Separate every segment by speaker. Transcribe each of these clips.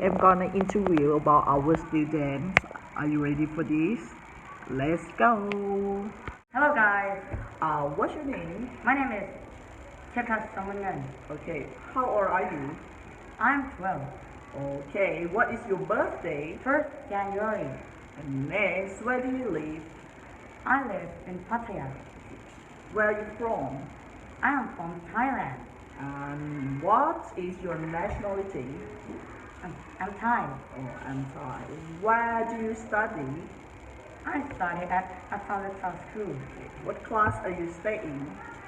Speaker 1: am gonna interview about our students. Are you ready for this? Let's go.
Speaker 2: Hello guys,
Speaker 1: What's your name?
Speaker 2: my name is Chetas Samungan.
Speaker 1: Okay, how old are you?
Speaker 2: I'm 12.
Speaker 1: Okay, what is your birthday?
Speaker 2: 1st January.
Speaker 1: And next, where do you live?
Speaker 2: I live in Pattaya.
Speaker 1: Where are you from?
Speaker 2: I am from Thailand.
Speaker 1: And what is your nationality?
Speaker 2: I'm Thai.
Speaker 1: Oh, I'm Thai. Where do you study?
Speaker 2: I study at Asalita School.
Speaker 1: What class are you studying?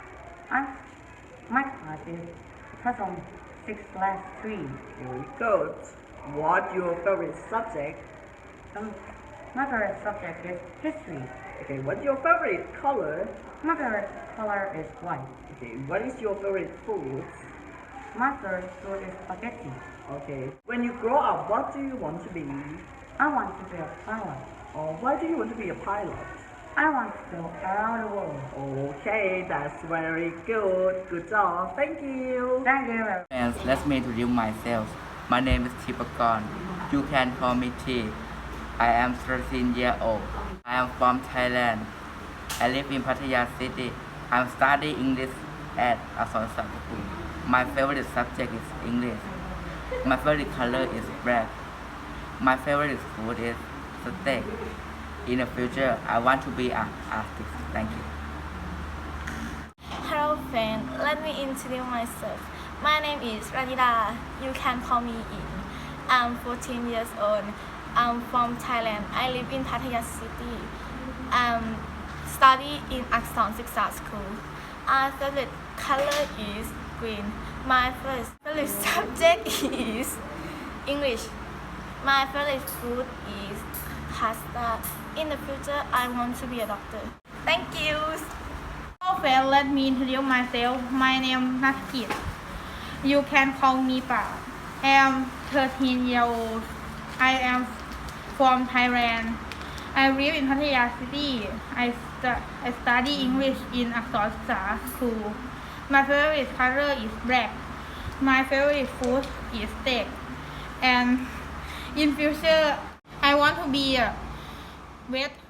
Speaker 2: My class is Person 6/3.
Speaker 1: Very good. What your favorite subject?
Speaker 2: My favorite subject is history.
Speaker 1: Okay, what's your favorite color?
Speaker 2: My favorite color is white.
Speaker 1: Okay, what is your favorite food?
Speaker 2: My favorite food is spaghetti.
Speaker 1: Okay, when you grow up, what do you want to be?
Speaker 2: I want to be a pilot.
Speaker 1: Or why do you want to be a pilot?
Speaker 2: I want to go around the world.
Speaker 1: Okay, that's very good. Good job. Thank you.
Speaker 2: Thank you very much.
Speaker 3: Friends, let me introduce myself. My name is Thipakorn. You can call me T. I am 13 years old. I am from Thailand. I live in Pattaya City. I'm studying English at Asansol School. My favorite subject is English. My favorite color is black. My favorite food is steak. In the future, I want to be an artist. Thank you.
Speaker 4: Hello friend, let me introduce myself. My name is Ranida. You can call me In. I'm 14 years old. I'm from Thailand. I live in Pattaya City. Study in Akson Siksa School. My favorite color is green. My favorite subject is English. My favorite food is pasta. In the future, I want to be a doctor. Thank you.
Speaker 5: Hello friend, let me introduce myself. My name is Natkit. You can call me Pa. I am 13 years old. I am from Thailand. I live in Pattaya City. I study English in Aksarsa School. My favorite color is black. My favorite food is steak. And in future, I want to be a vet